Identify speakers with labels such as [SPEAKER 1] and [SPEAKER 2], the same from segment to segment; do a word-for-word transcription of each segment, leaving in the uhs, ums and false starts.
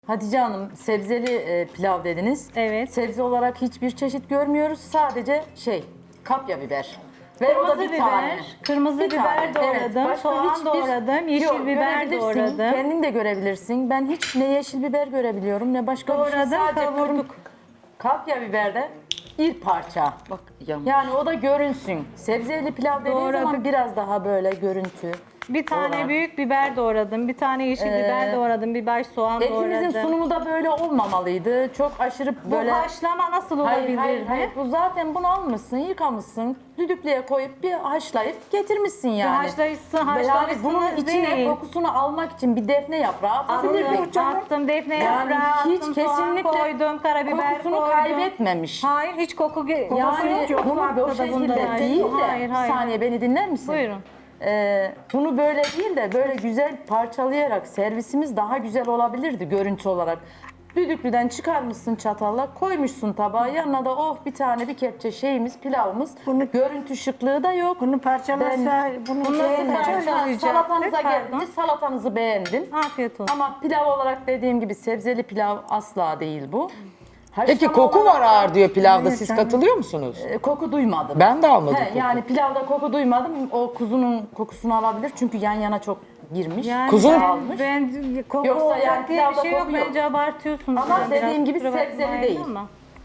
[SPEAKER 1] Hatice Hanım, sebzeli e, pilav dediniz.
[SPEAKER 2] Evet.
[SPEAKER 1] Sebze olarak hiçbir çeşit görmüyoruz. Sadece şey, kapya biber. Ve o da
[SPEAKER 2] Kırmızı
[SPEAKER 1] bir
[SPEAKER 2] biber,
[SPEAKER 1] tane.
[SPEAKER 2] kırmızı
[SPEAKER 1] Bir
[SPEAKER 2] biber
[SPEAKER 1] tane, evet.
[SPEAKER 2] doğradım,
[SPEAKER 1] Başka
[SPEAKER 2] soğan
[SPEAKER 1] hiçbir-
[SPEAKER 2] doğradım, yeşil
[SPEAKER 1] Yok,
[SPEAKER 2] biber
[SPEAKER 1] görebilirsin.
[SPEAKER 2] doğradım.
[SPEAKER 1] Kendin de görebilirsin. Ben hiç ne yeşil biber görebiliyorum ne başka bir şey.
[SPEAKER 2] Doğradım,
[SPEAKER 1] Sadece
[SPEAKER 2] kavurduk.
[SPEAKER 1] kırm- Kapya biberde bir parça.
[SPEAKER 3] Bak yanmış.
[SPEAKER 1] Yani o da görünsün. Sebzeli pilav dediğin zaman
[SPEAKER 2] Doğradık.
[SPEAKER 1] biraz daha böyle görüntü.
[SPEAKER 2] Bir tane
[SPEAKER 1] Doğradım.
[SPEAKER 2] büyük biber doğradım, bir tane yeşil biber doğradım, bir baş soğan
[SPEAKER 1] Etimizin
[SPEAKER 2] doğradım.
[SPEAKER 1] sunumu da böyle olmamalıydı. Çok aşırı
[SPEAKER 2] Bu
[SPEAKER 1] böyle...
[SPEAKER 2] haşlama nasıl
[SPEAKER 1] Hayır,
[SPEAKER 2] olabilirdi?
[SPEAKER 1] hayır, hayır. Bu zaten bunu almışsın, yıkamışsın, düdüklüye koyup bir haşlayıp getirmişsin yani.
[SPEAKER 2] haşlayıcısın,
[SPEAKER 1] Yani
[SPEAKER 2] haşlamışsınız
[SPEAKER 1] bunun içine
[SPEAKER 2] değil.
[SPEAKER 1] kokusunu almak için bir defne yaprağı atabilirdik.
[SPEAKER 2] Attım, attım defne
[SPEAKER 1] Yani
[SPEAKER 2] yaprağı,
[SPEAKER 1] hiç
[SPEAKER 2] attım,
[SPEAKER 1] kesinlikle
[SPEAKER 2] soğan koydum, karabiber
[SPEAKER 1] kokusunu
[SPEAKER 2] koydum.
[SPEAKER 1] kaybetmemiş.
[SPEAKER 2] Hayır, hiç koku ge-
[SPEAKER 1] Yani
[SPEAKER 2] kokusu yok.
[SPEAKER 1] bunu
[SPEAKER 2] Farklı
[SPEAKER 1] bu
[SPEAKER 2] da bundan
[SPEAKER 1] şekilde
[SPEAKER 2] ayrı.
[SPEAKER 1] değil de,
[SPEAKER 2] Hayır,
[SPEAKER 1] bir
[SPEAKER 2] hayır.
[SPEAKER 1] saniye beni dinler misin?
[SPEAKER 2] Buyurun.
[SPEAKER 1] Ee, bunu böyle değil de böyle güzel parçalayarak servisimiz daha güzel olabilirdi görüntü olarak. Düdüklüden çıkarmışsın çatalla, koymuşsun tabağa, yanına da oh bir tane bir kepçe şeyimiz, pilavımız.
[SPEAKER 4] Bunu-
[SPEAKER 1] Görüntü şıklığı da yok.
[SPEAKER 4] Bunu parçalarsa bunu
[SPEAKER 2] Bunu
[SPEAKER 4] şey
[SPEAKER 2] nasıl
[SPEAKER 4] edecek.
[SPEAKER 2] parçalayacaktık?
[SPEAKER 1] Salatanıza
[SPEAKER 2] Pardon.
[SPEAKER 1] geldi, salatanızı beğendim.
[SPEAKER 2] Afiyet olsun.
[SPEAKER 1] Ama pilav olarak dediğim gibi sebzeli pilav asla değil bu.
[SPEAKER 5] Peki
[SPEAKER 1] Haşlama
[SPEAKER 5] koku
[SPEAKER 1] olarak
[SPEAKER 5] var
[SPEAKER 1] da,
[SPEAKER 5] ağır diyor pilavda.
[SPEAKER 4] Evet,
[SPEAKER 5] Siz
[SPEAKER 4] canım.
[SPEAKER 5] katılıyor musunuz?
[SPEAKER 1] e, koku duymadım.
[SPEAKER 5] Ben de almadım
[SPEAKER 1] He,
[SPEAKER 5] koku.
[SPEAKER 1] yani pilavda koku duymadım. O kuzunun kokusunu alabilir çünkü yan yana çok girmiş.
[SPEAKER 2] Yani
[SPEAKER 5] Kuzun-
[SPEAKER 2] ben, ben koku
[SPEAKER 1] Yoksa
[SPEAKER 2] olacak
[SPEAKER 1] yani
[SPEAKER 2] diye bir
[SPEAKER 1] pilavda
[SPEAKER 2] şey yok.
[SPEAKER 1] koku yok.
[SPEAKER 2] Bence abartıyorsunuz.
[SPEAKER 1] Ama
[SPEAKER 2] yani
[SPEAKER 1] dediğim
[SPEAKER 2] biraz.
[SPEAKER 1] gibi
[SPEAKER 2] Kusura
[SPEAKER 1] sebzeli
[SPEAKER 2] bakmayın
[SPEAKER 1] değil.
[SPEAKER 2] ama.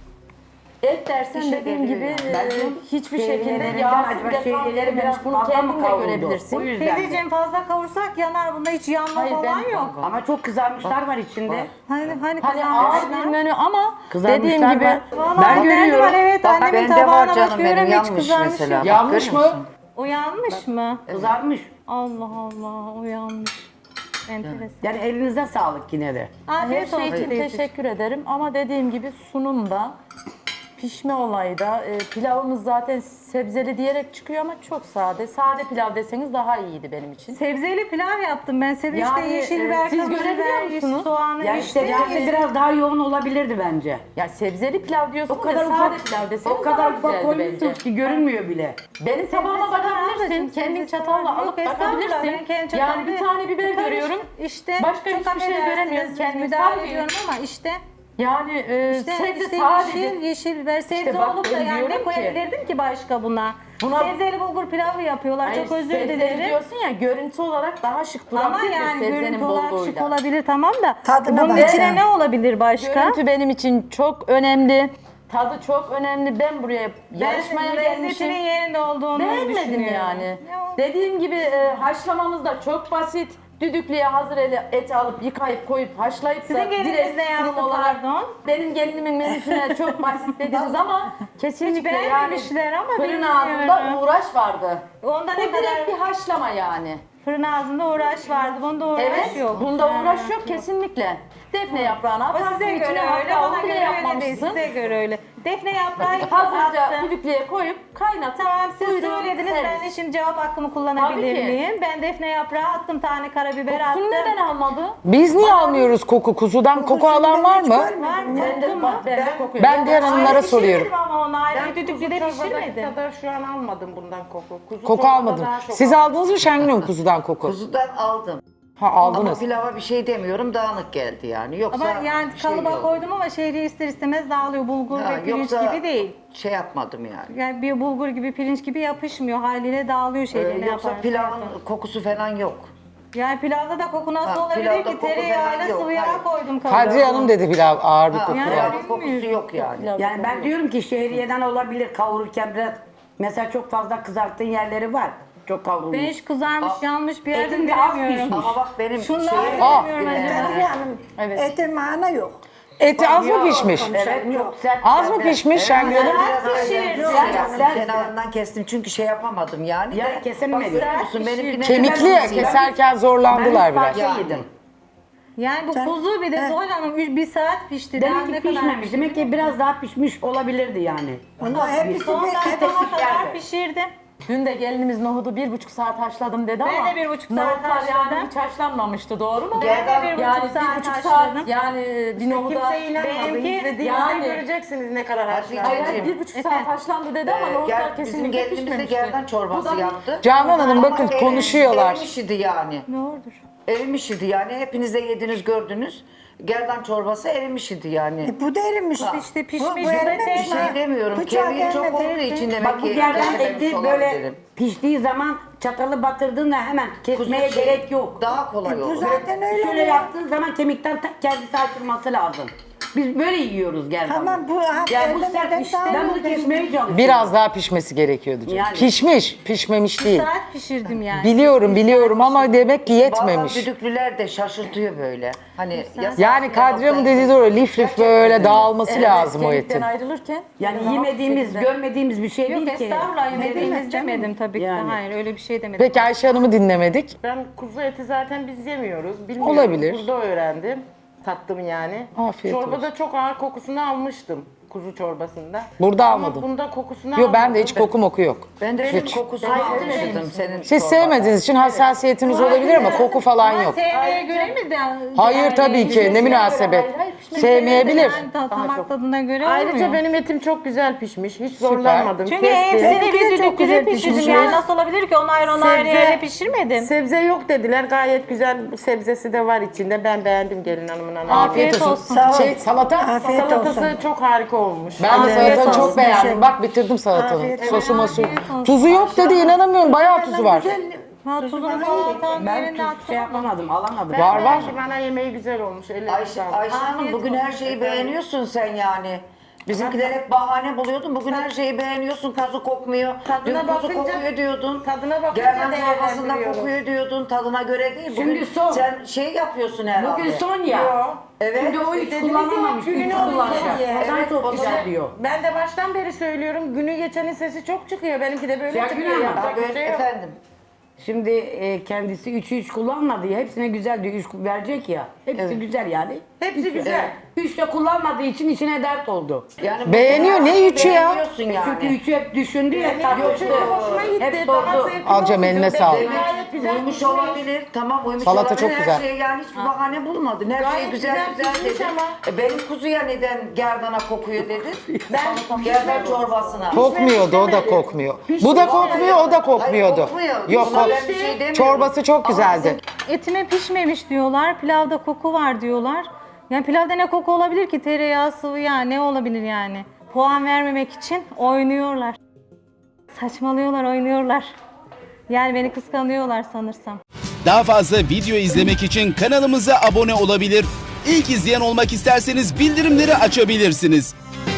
[SPEAKER 1] Et dersen
[SPEAKER 3] İşe
[SPEAKER 1] dediğim
[SPEAKER 3] geliyor
[SPEAKER 1] gibi
[SPEAKER 3] yani.
[SPEAKER 1] e, hiçbir şekilde
[SPEAKER 3] Şeyleri
[SPEAKER 1] yağsız
[SPEAKER 3] acaba
[SPEAKER 1] ve tam
[SPEAKER 3] şeyleri
[SPEAKER 1] erimemiş.
[SPEAKER 3] biraz
[SPEAKER 1] Bunu
[SPEAKER 3] fazla
[SPEAKER 1] kendin
[SPEAKER 3] mı
[SPEAKER 1] de
[SPEAKER 3] kavruldu?
[SPEAKER 1] görebilirsin.
[SPEAKER 3] O yüzden.
[SPEAKER 2] Teyzeciğim fazla kavursak yanar. Bunda hiç yanma
[SPEAKER 1] Hayır,
[SPEAKER 2] falan
[SPEAKER 1] ben-
[SPEAKER 2] yok.
[SPEAKER 3] Ama çok kızarmışlar var içinde.
[SPEAKER 2] Hani hani
[SPEAKER 1] Hani ağır bir
[SPEAKER 2] kızarmışlar.
[SPEAKER 1] menü ama
[SPEAKER 3] Kızarmışlar
[SPEAKER 1] dediğim gibi
[SPEAKER 3] var.
[SPEAKER 2] Vallahi
[SPEAKER 3] Ben
[SPEAKER 2] bende
[SPEAKER 3] görüyorum.
[SPEAKER 2] var, evet,
[SPEAKER 3] Bak
[SPEAKER 2] annemin
[SPEAKER 3] bende var
[SPEAKER 2] tabağına
[SPEAKER 3] canım
[SPEAKER 2] bakıyorum,
[SPEAKER 3] benim
[SPEAKER 2] hiç
[SPEAKER 3] yanmış
[SPEAKER 2] kızarmış
[SPEAKER 3] mesela.
[SPEAKER 2] yok.
[SPEAKER 3] Bak,
[SPEAKER 5] Yanmış
[SPEAKER 3] görüyor
[SPEAKER 5] mı?
[SPEAKER 3] musun?
[SPEAKER 2] O yanmış mı?
[SPEAKER 3] Kızarmış.
[SPEAKER 2] Allah Allah, o yanmış. Enteresan.
[SPEAKER 6] Yani elinize sağlık yine de.
[SPEAKER 1] her
[SPEAKER 2] Afiyet
[SPEAKER 1] şey
[SPEAKER 2] olsun
[SPEAKER 1] için
[SPEAKER 2] teyzeciğim.
[SPEAKER 1] teşekkür ederim. Ama dediğim gibi sunumda, pişme olayı da e, pilavımız zaten sebzeli diyerek çıkıyor ama çok sade. Sade pilav deseniz daha iyiydi benim için.
[SPEAKER 2] Sebzeli pilav yaptım ben. Senin
[SPEAKER 1] Yani,
[SPEAKER 2] işte yeşil
[SPEAKER 1] e,
[SPEAKER 2] biber,
[SPEAKER 1] siz
[SPEAKER 2] kırmızı
[SPEAKER 1] görebiliyor
[SPEAKER 2] biber,
[SPEAKER 1] musunuz?
[SPEAKER 2] soğanı,
[SPEAKER 6] Yani
[SPEAKER 2] işte
[SPEAKER 6] sebzesi biraz daha yoğun olabilirdi bence.
[SPEAKER 1] Ya sebzeli pilav diyorsun
[SPEAKER 6] O kadar
[SPEAKER 1] da sade
[SPEAKER 6] ufak,
[SPEAKER 1] pilav deseniz
[SPEAKER 6] o
[SPEAKER 1] daha
[SPEAKER 6] kadar ufak
[SPEAKER 1] güzeldi bence.
[SPEAKER 6] koymuşsunuz ki görünmüyor bile.
[SPEAKER 1] Benim tabağıma
[SPEAKER 2] Sebzesi var
[SPEAKER 1] bakabilirsin.
[SPEAKER 2] ablacığım,
[SPEAKER 1] Kendin
[SPEAKER 2] sebzesi
[SPEAKER 1] çatalla
[SPEAKER 2] var.
[SPEAKER 1] alıp
[SPEAKER 2] Yok, estağfurullah, ben
[SPEAKER 1] bakabilirsin.
[SPEAKER 2] kendi
[SPEAKER 1] Yani bir
[SPEAKER 2] çatalımla
[SPEAKER 1] tane biber
[SPEAKER 2] karış-
[SPEAKER 1] görüyorum.
[SPEAKER 2] İşte
[SPEAKER 1] Başka
[SPEAKER 2] çok
[SPEAKER 1] hiçbir şey
[SPEAKER 2] affedersiniz,
[SPEAKER 1] göremiyorum. Kendimi
[SPEAKER 2] müdahale
[SPEAKER 1] sallıyorum.
[SPEAKER 2] ediyorum ama işte
[SPEAKER 1] Yani e,
[SPEAKER 2] işte,
[SPEAKER 1] sebze
[SPEAKER 2] işte
[SPEAKER 1] sadece.
[SPEAKER 2] yeşil, yeşil biber, sebze
[SPEAKER 1] bak
[SPEAKER 2] olup da
[SPEAKER 1] ben
[SPEAKER 2] yani ne
[SPEAKER 1] diyorum ki-
[SPEAKER 2] koyabilirdim ki başka buna?
[SPEAKER 1] Buna-
[SPEAKER 2] Sebzeli bulgur pilavı yapıyorlar,
[SPEAKER 1] Hayır,
[SPEAKER 2] çok özür
[SPEAKER 1] sebzeli
[SPEAKER 2] dilerim.
[SPEAKER 1] diyorsun ya görüntü olarak daha şık
[SPEAKER 2] Ama
[SPEAKER 1] durabilir de
[SPEAKER 2] yani
[SPEAKER 1] sebzenin
[SPEAKER 2] görüntü olarak şık
[SPEAKER 1] bolluğuyla.
[SPEAKER 2] olabilir tamam da
[SPEAKER 4] Tadına
[SPEAKER 2] bunun
[SPEAKER 4] bak
[SPEAKER 2] içine
[SPEAKER 4] yani.
[SPEAKER 2] ne olabilir başka?
[SPEAKER 1] Görüntü benim için çok önemli. Tadı çok önemli. Ben buraya yarışmaya
[SPEAKER 2] Ben
[SPEAKER 1] gelmişim.
[SPEAKER 2] lezzetinin yerinde olduğunu
[SPEAKER 1] Beğenmedim
[SPEAKER 2] düşünüyorum.
[SPEAKER 1] yani.
[SPEAKER 2] Ya,
[SPEAKER 1] Dediğim gibi e, haşlamamız da çok basit. Düdüklüye hazır eli eti alıp yıkayıp koyup haşlayıp
[SPEAKER 2] Sizin
[SPEAKER 1] da
[SPEAKER 2] geliniz
[SPEAKER 1] direkt
[SPEAKER 2] ne yaptı,
[SPEAKER 1] sunum olarak
[SPEAKER 2] pardon?
[SPEAKER 1] benim gelinimin menüsüne çok basit dediniz ama kesinlikle yani
[SPEAKER 2] beğenmemişler ama
[SPEAKER 1] fırın
[SPEAKER 2] bilmiyorum.
[SPEAKER 1] ağzında uğraş vardı.
[SPEAKER 2] Onda
[SPEAKER 1] Bu
[SPEAKER 2] ne
[SPEAKER 1] direkt
[SPEAKER 2] kadar
[SPEAKER 1] bir haşlama yani.
[SPEAKER 2] fırın ağzında uğraş vardı. Bunda uğraş
[SPEAKER 1] Evet,
[SPEAKER 2] yok.
[SPEAKER 1] bunda
[SPEAKER 2] Ha,
[SPEAKER 1] uğraş yok kesinlikle. Defne yaprağını
[SPEAKER 2] O
[SPEAKER 1] atarsın
[SPEAKER 2] size göre
[SPEAKER 1] içine,
[SPEAKER 2] öyle,
[SPEAKER 1] hatta
[SPEAKER 2] bana
[SPEAKER 1] onu bile
[SPEAKER 2] göre öyle değil.
[SPEAKER 1] yapmamışsın.
[SPEAKER 2] Size göre öyle. Defne yaprağı
[SPEAKER 1] Hazırca
[SPEAKER 2] attım.
[SPEAKER 1] düdüklüye koyup kaynatıp
[SPEAKER 2] Tamam siz
[SPEAKER 1] buyurun,
[SPEAKER 2] söylediniz, ben de
[SPEAKER 1] servis.
[SPEAKER 2] şimdi cevap hakkımı kullanabilir
[SPEAKER 1] Tabii ki.
[SPEAKER 2] miyim? Ben defne yaprağı attım, tane karabiber attım.
[SPEAKER 1] Kokusunu neden almadı?
[SPEAKER 5] Biz niye almıyoruz koku? Kuzudan koku alan var mı?
[SPEAKER 2] Var mı?
[SPEAKER 1] Ben de,
[SPEAKER 2] mu?
[SPEAKER 1] ben de kokuyor.
[SPEAKER 5] Ben diğer hanımlara
[SPEAKER 2] Ayrı
[SPEAKER 5] soruyorum.
[SPEAKER 2] pişirmedim ama onu ayrı düdüklüde pişirmedim.
[SPEAKER 6] kadar şu an almadım bundan koku. Kuzu
[SPEAKER 5] Koku
[SPEAKER 6] çorbada
[SPEAKER 5] almadım.
[SPEAKER 6] daha çok
[SPEAKER 5] Siz aldınız mı Şengül Hanım kuzudan koku?
[SPEAKER 3] Kuzudan aldım.
[SPEAKER 5] Ha
[SPEAKER 3] Ama
[SPEAKER 5] aldınız.
[SPEAKER 3] pilava bir şey demiyorum dağınık geldi yani. Yoksa
[SPEAKER 2] Ama yani
[SPEAKER 3] bir şey
[SPEAKER 2] kalıba
[SPEAKER 3] yok.
[SPEAKER 2] koydum ama şehriye ister istemez dağılıyor. Bulgur
[SPEAKER 3] Ha,
[SPEAKER 2] ve pirinç
[SPEAKER 3] yoksa
[SPEAKER 2] gibi değil.
[SPEAKER 3] şey yapmadım yani.
[SPEAKER 2] Yani bir bulgur gibi, pirinç gibi yapışmıyor. Haliyle dağılıyor
[SPEAKER 3] Ee,
[SPEAKER 2] şehriye ne
[SPEAKER 3] yoksa
[SPEAKER 2] yaparsan
[SPEAKER 3] pilavın
[SPEAKER 2] yap.
[SPEAKER 3] kokusu falan yok.
[SPEAKER 2] Yani pilavda da koku nasıl
[SPEAKER 3] Ha,
[SPEAKER 2] olabilir
[SPEAKER 3] pilavda
[SPEAKER 2] ki?
[SPEAKER 3] koku
[SPEAKER 2] Tereyağıyla
[SPEAKER 3] falan yok,
[SPEAKER 2] sıvı yağ
[SPEAKER 3] hayır.
[SPEAKER 2] koydum kalıba.
[SPEAKER 5] Kadriye Hanım dedi pilav ağır bir
[SPEAKER 3] Ha,
[SPEAKER 5] koku
[SPEAKER 2] Yani
[SPEAKER 5] var.
[SPEAKER 3] pilavın kokusu yok yani.
[SPEAKER 6] Yani ben diyorum ki şehriyeden olabilir kavururken biraz mesela çok fazla kızarttığın yerleri var. Çok kavrulmuş.
[SPEAKER 2] Ben hiç kızarmış, yanmış bir yerden
[SPEAKER 6] etin de az
[SPEAKER 2] bilemiyorum.
[SPEAKER 6] pişmiş.
[SPEAKER 3] Ama bak benim
[SPEAKER 2] Şunlar
[SPEAKER 3] şeyim-
[SPEAKER 5] Aa.
[SPEAKER 2] bilmiyorum
[SPEAKER 3] Ee,
[SPEAKER 2] acaba.
[SPEAKER 4] Kadriye Hanım,
[SPEAKER 1] Evet.
[SPEAKER 4] ete mana yok.
[SPEAKER 5] Eti az mı
[SPEAKER 3] Yok,
[SPEAKER 5] pişmiş?
[SPEAKER 3] Evet çok sert.
[SPEAKER 5] Az mı
[SPEAKER 3] geldi.
[SPEAKER 5] pişmiş Şengül Hanım?
[SPEAKER 3] Biraz
[SPEAKER 2] pişirir.
[SPEAKER 3] öyle
[SPEAKER 2] Yok,
[SPEAKER 3] şey yaptım,
[SPEAKER 6] sert.
[SPEAKER 3] kenarından kestim çünkü şey yapamadım yani.
[SPEAKER 6] Yani
[SPEAKER 3] de-
[SPEAKER 6] kesemedim.
[SPEAKER 3] Bak görüyor musun benimkine
[SPEAKER 5] Kemikli ya, keserken zorlandılar
[SPEAKER 6] Ben
[SPEAKER 5] biraz.
[SPEAKER 6] üç parça yedim.
[SPEAKER 2] Yani bu
[SPEAKER 4] Sen-
[SPEAKER 2] kuzu bir de
[SPEAKER 4] He.
[SPEAKER 2] Zuhal Hanım üç- bir saat pişti. Daha
[SPEAKER 6] Demek
[SPEAKER 2] ne
[SPEAKER 6] ki
[SPEAKER 2] kadar
[SPEAKER 6] pişmemiş.
[SPEAKER 2] pişti?
[SPEAKER 6] Demek ki biraz daha pişmiş olabilirdi yani.
[SPEAKER 4] Onu hepsi
[SPEAKER 2] Son
[SPEAKER 4] bir
[SPEAKER 2] dakikama
[SPEAKER 4] hepsi
[SPEAKER 2] kadar
[SPEAKER 6] yerde.
[SPEAKER 2] pişirdim.
[SPEAKER 1] Dün de gelinimiz nohudu bir buçuk saat haşladım dedi
[SPEAKER 2] Ben
[SPEAKER 1] ama
[SPEAKER 2] de bir buçuk saat
[SPEAKER 1] nohutlar
[SPEAKER 2] haşladım.
[SPEAKER 1] yani hiç haşlanmamıştı, doğru mu?
[SPEAKER 2] Ben de bir buçuk
[SPEAKER 1] yani
[SPEAKER 2] saat
[SPEAKER 1] bir buçuk
[SPEAKER 2] haşladım.
[SPEAKER 1] saat yani bir nohuda
[SPEAKER 6] Kimse inanmadı.
[SPEAKER 2] Benimki-
[SPEAKER 6] İzlediğinizde
[SPEAKER 1] yani-
[SPEAKER 6] göreceksiniz ne kadar
[SPEAKER 3] Hatice-
[SPEAKER 6] haşlandı.
[SPEAKER 1] Hayır, bir buçuk saat haşlandı dedi ama
[SPEAKER 3] Ee,
[SPEAKER 1] nohutlar
[SPEAKER 3] gel- bizim
[SPEAKER 1] kesinlikle
[SPEAKER 3] gelinimiz de
[SPEAKER 1] pişmemişti.
[SPEAKER 3] gerdan
[SPEAKER 1] Bu
[SPEAKER 3] çorbası
[SPEAKER 1] da bir-
[SPEAKER 3] yaptı.
[SPEAKER 5] Canan Hanım
[SPEAKER 3] Ama
[SPEAKER 5] bakın
[SPEAKER 3] ev-
[SPEAKER 5] konuşuyorlar.
[SPEAKER 3] Evim işidi yani.
[SPEAKER 2] Ne olur?
[SPEAKER 3] Evim işidi yani. Hepiniz de yediniz gördünüz. gerdan çorbası erimiş idi yani.
[SPEAKER 4] E, bu da erimiş.
[SPEAKER 2] İşte
[SPEAKER 4] Bu,
[SPEAKER 2] pişmiş,
[SPEAKER 4] bu
[SPEAKER 2] bu da
[SPEAKER 4] erimemiş
[SPEAKER 3] Bir
[SPEAKER 2] pişmiş.
[SPEAKER 3] şey
[SPEAKER 4] ha.
[SPEAKER 3] demiyorum.
[SPEAKER 4] Bıçağı
[SPEAKER 3] Kemiği çok
[SPEAKER 4] gelmedi.
[SPEAKER 3] olduğu için demek
[SPEAKER 6] Bak bu
[SPEAKER 3] ki
[SPEAKER 6] gerdan
[SPEAKER 3] kesememiş
[SPEAKER 6] eti böyle
[SPEAKER 3] olabilirim.
[SPEAKER 6] piştiği zaman çatalı batırdığında hemen kesmeye
[SPEAKER 3] Kuzu şey,
[SPEAKER 6] gerek yok.
[SPEAKER 3] Daha kolay
[SPEAKER 4] E, bu
[SPEAKER 3] olur.
[SPEAKER 4] zaten öyle.
[SPEAKER 6] Şöyle
[SPEAKER 4] ya.
[SPEAKER 6] yaptığın zaman kemikten ta- kendisi açılması lazım. Biz böyle yiyoruz gerdanı.
[SPEAKER 4] Tamam, bu ha,
[SPEAKER 6] yani bu
[SPEAKER 4] ellemeden
[SPEAKER 6] sert işte.
[SPEAKER 4] daha
[SPEAKER 6] Ben bunu
[SPEAKER 4] iyi.
[SPEAKER 6] kesmeye çalışıyorum.
[SPEAKER 5] Biraz daha pişmesi gerekiyordu canım.
[SPEAKER 6] Yani.
[SPEAKER 5] Pişmiş, pişmemiş
[SPEAKER 2] Bir
[SPEAKER 5] değil.
[SPEAKER 2] saat pişirdim yani.
[SPEAKER 5] Biliyorum, biliyorum ama demek ki
[SPEAKER 3] Bazen
[SPEAKER 5] yetmemiş.
[SPEAKER 3] düdüklüler de şaşırtıyor böyle. Hani yasak
[SPEAKER 5] Yani
[SPEAKER 3] bir
[SPEAKER 5] Kadriye
[SPEAKER 3] nokta-
[SPEAKER 5] mi dediği doğru, lif lif
[SPEAKER 3] Gerçekten
[SPEAKER 5] böyle
[SPEAKER 3] öyle.
[SPEAKER 5] dağılması
[SPEAKER 1] Evet,
[SPEAKER 5] lazım o
[SPEAKER 1] kemikten
[SPEAKER 5] etin.
[SPEAKER 1] ayrılırken.
[SPEAKER 6] Yani
[SPEAKER 1] rahat
[SPEAKER 6] yemediğimiz,
[SPEAKER 1] şekilde-
[SPEAKER 6] görmediğimiz bir şey
[SPEAKER 2] Yok
[SPEAKER 6] değil ki.
[SPEAKER 2] estağfurullah yemediğimiz
[SPEAKER 4] canım.
[SPEAKER 2] demedim tabii ki. de.
[SPEAKER 6] Yani.
[SPEAKER 2] Hayır öyle bir şey demedim.
[SPEAKER 5] Peki Ayşe Hanım'ı dinlemedik.
[SPEAKER 7] Ben kuzu eti zaten biz yemiyoruz. Bilmiyorum.
[SPEAKER 5] Olabilir.
[SPEAKER 7] Burada öğrendim. Tattım yani.
[SPEAKER 5] Afiyet
[SPEAKER 7] Çorbada
[SPEAKER 5] olsun.
[SPEAKER 7] çok ağır kokusunu almıştım. Kuzu çorbasında.
[SPEAKER 5] Burada
[SPEAKER 7] Ama
[SPEAKER 5] almadım.
[SPEAKER 7] bunda kokusunu
[SPEAKER 5] Yok ben de
[SPEAKER 7] almadım.
[SPEAKER 5] hiç koku moku yok.
[SPEAKER 3] Ben de senin
[SPEAKER 5] Hiç.
[SPEAKER 3] kokusunu almıştım senin
[SPEAKER 5] Siz
[SPEAKER 3] çorbada.
[SPEAKER 5] sevmediğiniz için hassasiyetiniz olabilir ama koku falan yok.
[SPEAKER 2] Sevmeye göre mi de?
[SPEAKER 5] Hayır tabii ki ne münasebet.
[SPEAKER 1] Hayır, hayır, pişmesi
[SPEAKER 5] Sevmeyebilir.
[SPEAKER 2] Yani ta- damak tadına göre
[SPEAKER 7] Ayrıca
[SPEAKER 2] olmuyor.
[SPEAKER 7] benim etim çok güzel pişmiş. Hiç zorlanmadım.
[SPEAKER 2] Çünkü
[SPEAKER 7] Kestim.
[SPEAKER 2] hepsini
[SPEAKER 4] Benimki de
[SPEAKER 2] bir
[SPEAKER 4] çok
[SPEAKER 2] düdüklüde
[SPEAKER 4] güzel
[SPEAKER 2] pişirdim.
[SPEAKER 4] pişmiş.
[SPEAKER 2] Yani nasıl olabilir ki? Onlar onu ayrı
[SPEAKER 7] Sebze-
[SPEAKER 2] yere pişirmedim.
[SPEAKER 7] Sebze yok dediler. Gayet güzel sebzesi de var içinde. Ben beğendim gelin hanımın hanımı.
[SPEAKER 2] Afiyet olsun.
[SPEAKER 4] Sağ ol.
[SPEAKER 5] Şey salata.
[SPEAKER 4] Afiyet
[SPEAKER 7] Salatası
[SPEAKER 4] olsun.
[SPEAKER 7] çok harika olmuş.
[SPEAKER 5] Ben de
[SPEAKER 2] Afiyet
[SPEAKER 5] salatanı çok
[SPEAKER 2] olsun.
[SPEAKER 5] beğendim. Bak bitirdim salatanı.
[SPEAKER 4] Afiyet
[SPEAKER 5] Sosu mosu.
[SPEAKER 2] Afiyet olsun.
[SPEAKER 5] Tuzu yok dedi inanamıyorum. Bayağı tuzu var.
[SPEAKER 2] Ha, tuzunu falan tam
[SPEAKER 6] Ben
[SPEAKER 2] yerine
[SPEAKER 6] tuz
[SPEAKER 2] attım.
[SPEAKER 6] şey yapamadım, alamadım.
[SPEAKER 5] Var var.
[SPEAKER 7] Belki bana yemeği güzel olmuş. Ellerine
[SPEAKER 3] Ayşe,
[SPEAKER 7] sağlık.
[SPEAKER 3] Ayşe Hanım bugün her şeyi beğeniyorsun sen yani. Bizimkiler hep bahane buluyordun. Bugün her şeyi beğeniyorsun. Kuzu kokmuyor.
[SPEAKER 7] Tadına
[SPEAKER 3] Dün kuzu
[SPEAKER 7] bakınca-
[SPEAKER 3] kokuyor diyordun.
[SPEAKER 7] tadına bakınca
[SPEAKER 3] Gerdan çorbasında
[SPEAKER 7] değerlendiriyorum.
[SPEAKER 3] kokuyor diyordun. Tadına göre değil. Bugün
[SPEAKER 6] Şimdi son.
[SPEAKER 3] sen şey yapıyorsun herhalde.
[SPEAKER 6] Bugün son ya.
[SPEAKER 7] Yok.
[SPEAKER 3] Evet.
[SPEAKER 6] Şimdi o hiç
[SPEAKER 7] Dediniz
[SPEAKER 6] kullanamamış,
[SPEAKER 7] ya,
[SPEAKER 6] üç
[SPEAKER 7] gününü
[SPEAKER 6] kullanacak.
[SPEAKER 7] alacak.
[SPEAKER 6] O zaman
[SPEAKER 3] Evet,
[SPEAKER 6] çok
[SPEAKER 3] o
[SPEAKER 6] güzel
[SPEAKER 3] zaman-
[SPEAKER 6] diyor.
[SPEAKER 7] Ben de baştan beri söylüyorum. Günü geçenin sesi çok çıkıyor. Benimki de böyle
[SPEAKER 6] Ya
[SPEAKER 7] çıkıyor.
[SPEAKER 6] günah.
[SPEAKER 7] Yapacak
[SPEAKER 3] Ha,
[SPEAKER 7] bir
[SPEAKER 3] böyle,
[SPEAKER 7] şey yok.
[SPEAKER 3] efendim.
[SPEAKER 6] Şimdi e, kendisi üçü üç kullanmadı ya. Hepsine güzel diyor. Üç verecek ya. Hepsi güzel yani.
[SPEAKER 7] Hepsi
[SPEAKER 6] Üç-
[SPEAKER 7] güzel.
[SPEAKER 6] Evet. Üç de kullanmadığı için içine dert oldu.
[SPEAKER 3] Yani
[SPEAKER 5] Beğeniyor,
[SPEAKER 3] bugün her
[SPEAKER 5] ne
[SPEAKER 3] şeyi
[SPEAKER 5] üçü ya?
[SPEAKER 3] beğeniyorsun yani.
[SPEAKER 6] Çünkü üçü hep düşündü ya.
[SPEAKER 7] Benim
[SPEAKER 6] tartıştı.
[SPEAKER 7] çok hoşuma gitti.
[SPEAKER 6] Hep
[SPEAKER 7] Daha
[SPEAKER 6] sordu.
[SPEAKER 7] zevkli
[SPEAKER 5] Alacağım,
[SPEAKER 7] oldu.
[SPEAKER 5] eline
[SPEAKER 7] Demek
[SPEAKER 5] sağlık.
[SPEAKER 7] ki gayet güzel
[SPEAKER 3] Uyumuş
[SPEAKER 7] pişmiş.
[SPEAKER 3] olabilir. Tamam uyumuş
[SPEAKER 5] Salata
[SPEAKER 3] olabilir.
[SPEAKER 5] çok
[SPEAKER 3] Her
[SPEAKER 5] güzel.
[SPEAKER 3] şeye yani hiçbir bahane bulmadın. Her şey
[SPEAKER 7] Gayet
[SPEAKER 3] güzel
[SPEAKER 7] güzel
[SPEAKER 3] güzel,
[SPEAKER 7] pişmiş
[SPEAKER 3] dedin.
[SPEAKER 7] ama.
[SPEAKER 3] E, benim kuzuya neden gerdana kokuyor dedin?
[SPEAKER 7] Ben
[SPEAKER 3] Gerdan çorbasına.
[SPEAKER 5] Kokmuyordu, o da kokmuyor. Bu da kokmuyor, o da kokmuyordu.
[SPEAKER 3] Hayır, kokmuyor.
[SPEAKER 5] Yok,
[SPEAKER 3] Buna
[SPEAKER 5] kok-
[SPEAKER 3] ben bir şey demiyorum.
[SPEAKER 5] çorbası çok güzeldi.
[SPEAKER 2] Etime pişmemiş diyorlar. Pilavda koku var diyorlar. Yani pilavda ne koku olabilir ki? Tereyağı, sıvı yağ ne olabilir yani? Puan vermemek için oynuyorlar. Saçmalıyorlar, oynuyorlar. Yani beni kıskanıyorlar sanırsam.
[SPEAKER 8] Daha fazla video izlemek için kanalımıza abone olabilir. İlk izleyen olmak isterseniz bildirimleri açabilirsiniz.